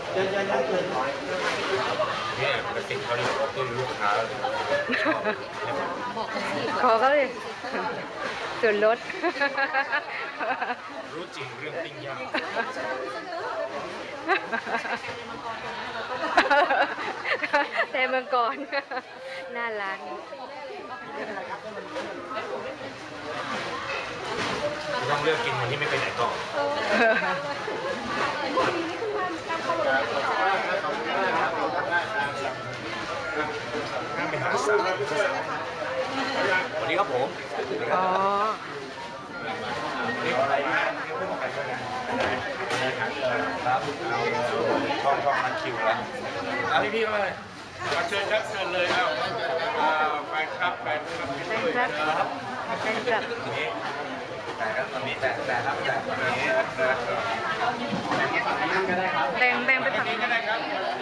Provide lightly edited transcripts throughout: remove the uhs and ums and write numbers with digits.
เนี่ยปกติเขาเรียกว่าต้นลูกค้าเลยขอเขาเลยส่วนลดรู้จริงเรื่องปิ้งย่างแต่เมืองก่อน หน้าร้านต้องเลือกกินคนที่ไม่ไปไหนก่อนห้ามไปหาสาววันนี้ครับผมอ๋อนี่อะไรครับช่องนัดคิวแล้วพี่เข้ามาเลยมาเชิญครับเชิญเลยเอ้าแฟนคลับแฟนคลับแฟนคลับแต่ครับตอนนี้แต่ครับแต่ตอนนี้แบ่งไปฝั่งนี้ก็ได้ครับ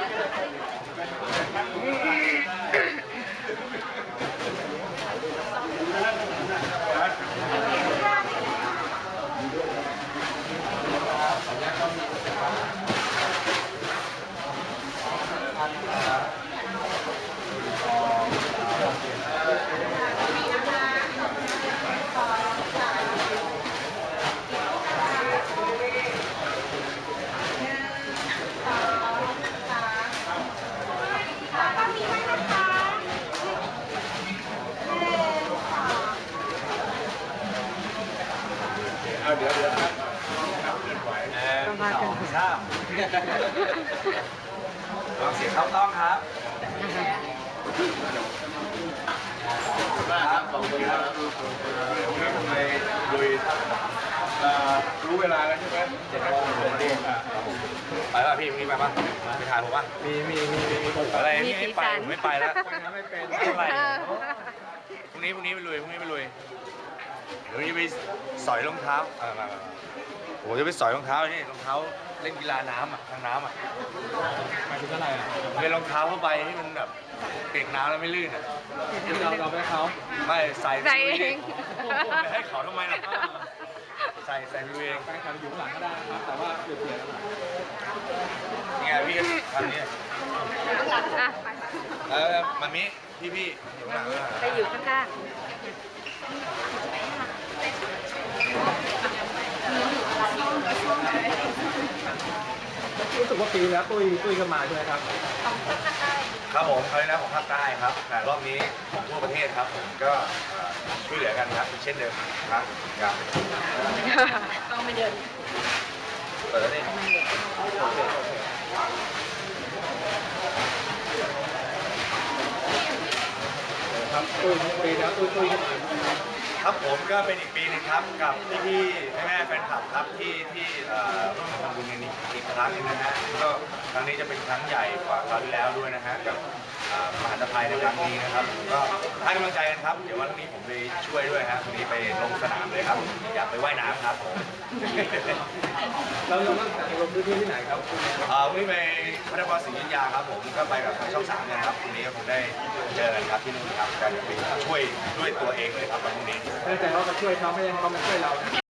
เดี๋ยวครับต้องพากันทราบลองเสียงเข้าต้องครับครับขอบคุณครับทำไมลุยรู้เวลาแล้วใช่ไหม7 โมงผมนี่ไปป่ะพี่พรุ่งนี้ไปป่ะไปทานผมป่ะมีอะไรนี่ไม่ไปผมไม่ไปแล้วไม่เป็นอะไรพรุ่งนี้ไปลุยเดี๋ยวนี้ไปสอยรองเท้ามาโอ้จะไปสอยรองเท้านี่รองเท้าเล่นกีฬาน้ำทางน้ำหมายถึงอะไรเป็นรองเท้าเข้าไปที่มันแบบเปียกน้ำแล้วไม่ลื่นเราไปให้เขาไม่ใส่เองไปให้เขาทำไมล่ะใส่ไปเองแฟนคลับอยู่ข้างหลังก็ได้นะครับแต่ว่าเปลี่ยนนี่ไงพี่ทำนี่มันมีพี่อยู่ข้างหลังไปอยู่ข้างรู้สึกว่าปีแล้วตุ้ยก็มาใช่ไหมครับครับผมคราวนี้นะของภาคใต้ครับแต่รอบนี้ของทั่วประเทศครับผมก็ช่วยเหลือกันครับเช่นเดิมครับต้องไปเดินเปิดแล้วนี่ครับตุ้ยปีแล้วตุ้ยก็มาครับผมก็เป็นอีกปีนึงครับกับพี่แม่แฟนคลับครับที่ร่วมทำบุญกันอีกครั้งนึงนะฮะก็ครั้งนี้จะเป็นครั้งใหญ่กว่าคราวที่แล้วด้วยนะฮะกับมหาภัยในครั้งนี้นะครับก็ให้กำลังใจกันครับเดี๋ยววันนี้ผมไปช่วยด้วยครับวันนี้ไปลงสนามเลยครับอยากไปว่ายน้ำครับผมเราตั้งแต่ลงพื้นที่ที่ไหนครับวันนี้ไปพระนครศรีอยุธยาครับผมก็ไปกับทางช่อง 3เนี่ยครับวันนี้ผมได้เจอกันครับที่นู่นครับการไปช่วยด้วยตัวเองเลยครับวันนี้แต่เราจะช่วยเขาไม่ยังเขามาช่วยเรา